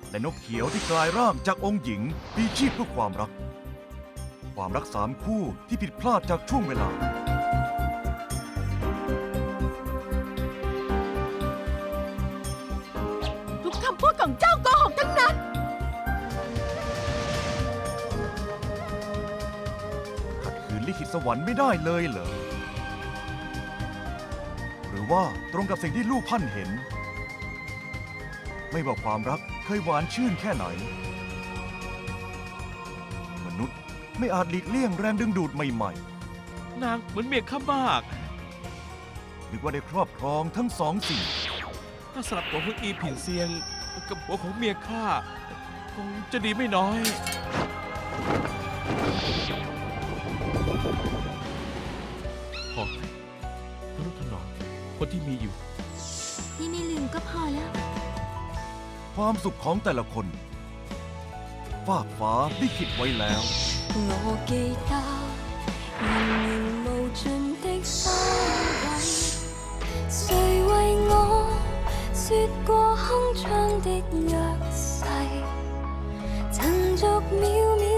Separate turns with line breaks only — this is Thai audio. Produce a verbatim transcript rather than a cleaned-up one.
และนกเขียวที่กลายร่างจากองค์หญิงมีชีพเพื่อความรัก ความรักสามคู่ที่ผิดพลาดจากช่วงเวลา
ทุกคำพูดของเจ้าโกหกทั้งนั้น
ขัดขืนลิขิตสวรรค์ไม่ได้เลยเหรอ หรือว่าตรงกับสิ่งที่ลูกพันเห็น ไม่ว่าความรักเคยหวานชื่นแค่ไหน มนุษย์ไม่อาจหลีกเลี่ยงแรงดึงดูดใหม่
นางเหมือนเมียข้ามาก
ๆนึกว่าได้ครอบครองทั้งสองสิ่ง
ถ้าสลับตัวของอีผินเซียง กับหัวของเมียข้าคงจะดีไม่น้อย พอทนุถนอมคนที่มีอยู่
นี่ไม่ลืมก็พอแล้ว
ความสุขของแต่ละคนฟากฟ้าลิขิตไว้แล้ว
我記得源源無盡的收穫，誰為我說過鏗鏘的約誓，曾逐秒秒